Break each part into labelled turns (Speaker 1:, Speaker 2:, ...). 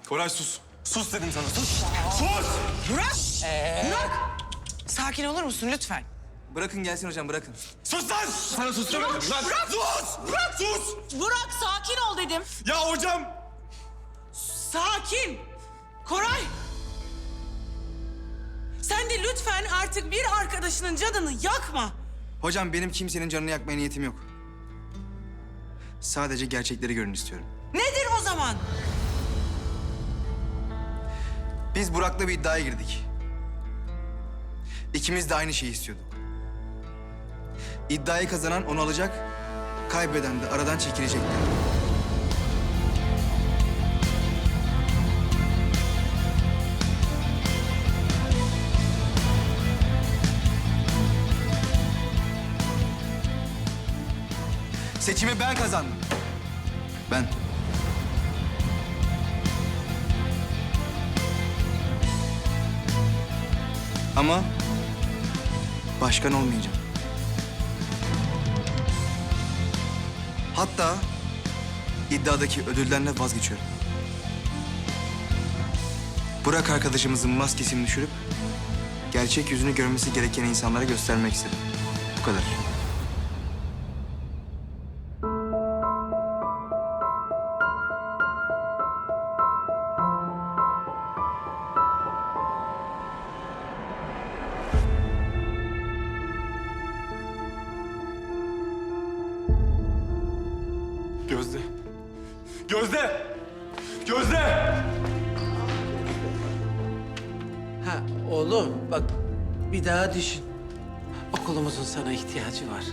Speaker 1: Koray sus. Sus dedim sana, sus. Sus!
Speaker 2: Burak! Burak! Sakin olur musun lütfen?
Speaker 3: Bırakın gelsin hocam, bırakın.
Speaker 1: Sus lan! Sana sus demedim lan.
Speaker 2: Bırak!
Speaker 1: Sus! Bırak! Sus!
Speaker 2: Burak sakin ol dedim.
Speaker 1: Ya hocam!
Speaker 2: Sakin! Koray! Sen de lütfen artık bir arkadaşının canını yakma.
Speaker 3: Hocam benim kimsenin canını yakmaya niyetim yok. Sadece gerçekleri görün istiyorum.
Speaker 2: Nedir o zaman?
Speaker 3: Biz Burak'la bir iddiaya girdik. İkimiz de aynı şeyi istiyorduk. İddiayı kazanan onu alacak, kaybeden de aradan çekilecekti. Seçimi ben kazandım. Ben. Ama başkan olmayacağım. Hatta iddiadaki ödülden de vazgeçiyorum. Burak arkadaşımızın maskesini düşürüp gerçek yüzünü görmesi gereken insanlara göstermek istedim. Bu kadar.
Speaker 1: Gözde. Gözde! Gözde!
Speaker 4: Ha oğlum bak bir daha düşün. Okulumuzun sana ihtiyacı var.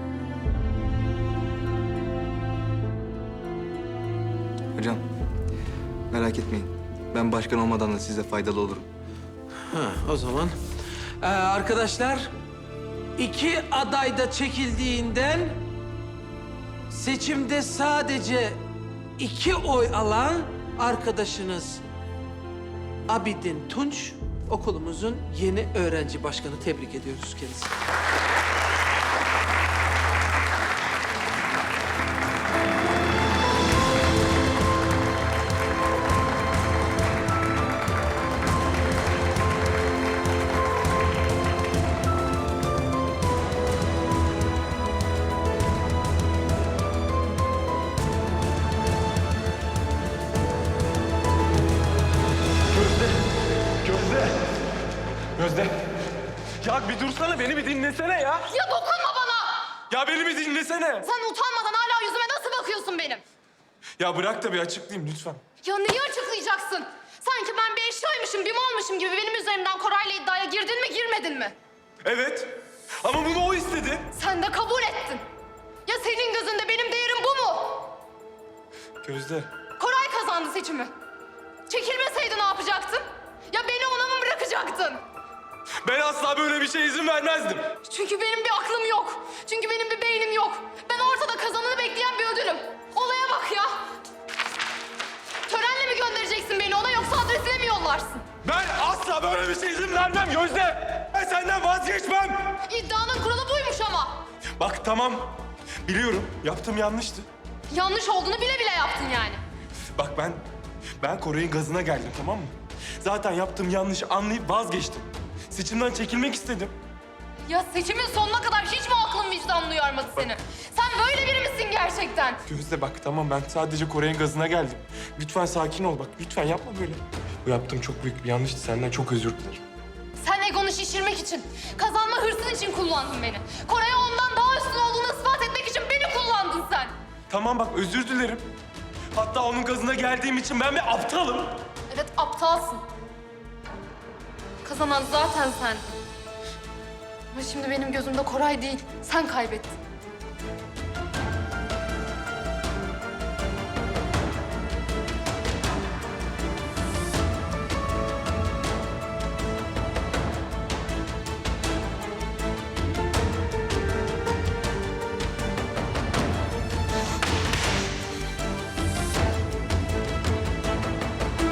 Speaker 3: Hocam merak etmeyin. Ben başkan olmadan da size faydalı olurum.
Speaker 4: Ha o zaman arkadaşlar 2 aday da çekildiğinden seçimde sadece 2 oy alan arkadaşınız Abidin Tunç okulumuzun yeni öğrenci başkanı. Tebrik ediyoruz kendisini.
Speaker 1: Gözde! Gözde! Ya bir dursana, beni bir dinlesene ya.
Speaker 5: Ya dokunma bana!
Speaker 1: Ya beni bir dinlesene.
Speaker 5: Sen utanmadan hala yüzüme nasıl bakıyorsun benim?
Speaker 1: Ya bırak da bir açıklayayım lütfen.
Speaker 5: Ya neyi açıklayacaksın? Sanki ben bir eşyaymışım, bir malmışım gibi benim üzerimden Koray'la iddiaya girdin mi, girmedin mi?
Speaker 1: Evet. Ama bunu o istedi.
Speaker 5: Sen de kabul ettin. Ya senin gözünde benim değerim bu mu?
Speaker 1: Gözde.
Speaker 5: Koray kazandı seçimi. Çekilmeseydi ne yapacaktın? Ya beni ona mı bırakacaktın?
Speaker 1: Ben asla böyle bir şeye izin vermezdim.
Speaker 5: Çünkü benim bir aklım yok. Çünkü benim bir beynim yok. Ben ortada kazananı bekleyen bir ödülüm. Olaya bak ya. Törenle mi göndereceksin beni ona yoksa adresine mi yollarsın?
Speaker 1: Ben asla böyle bir şeye izin vermem Gözde. Ben senden vazgeçmem.
Speaker 5: İddianın kuralı buymuş ama.
Speaker 1: Bak tamam. Biliyorum yaptığım yanlıştı.
Speaker 5: Yanlış olduğunu bile bile yaptın yani.
Speaker 1: Bak ben Koray'ın gazına geldim, tamam mı? Zaten yaptığım yanlışı anlayıp vazgeçtim. Seçimden çekilmek istedim.
Speaker 5: Ya seçimin sonuna kadar hiç mi aklın vicdanın uyarmadı seni? Sen böyle biri misin gerçekten?
Speaker 1: Gözde bak tamam, ben sadece Koray'ın gazına geldim. Lütfen sakin ol bak, lütfen yapma böyle. Bu yaptığım çok büyük bir yanlıştı, senden çok özür dilerim.
Speaker 5: Sen egonu şişirmek için, kazanma hırsın için kullandın beni. Koray'a ondan daha üstün olduğunu ispat etmek için beni kullandın sen.
Speaker 1: Tamam bak, özür dilerim. Hatta onun gazına geldiğim için ben bir aptalım.
Speaker 5: Evet, aptalsın. Kazanan zaten sen. Ama şimdi benim gözümde Koray değil, sen kaybettin.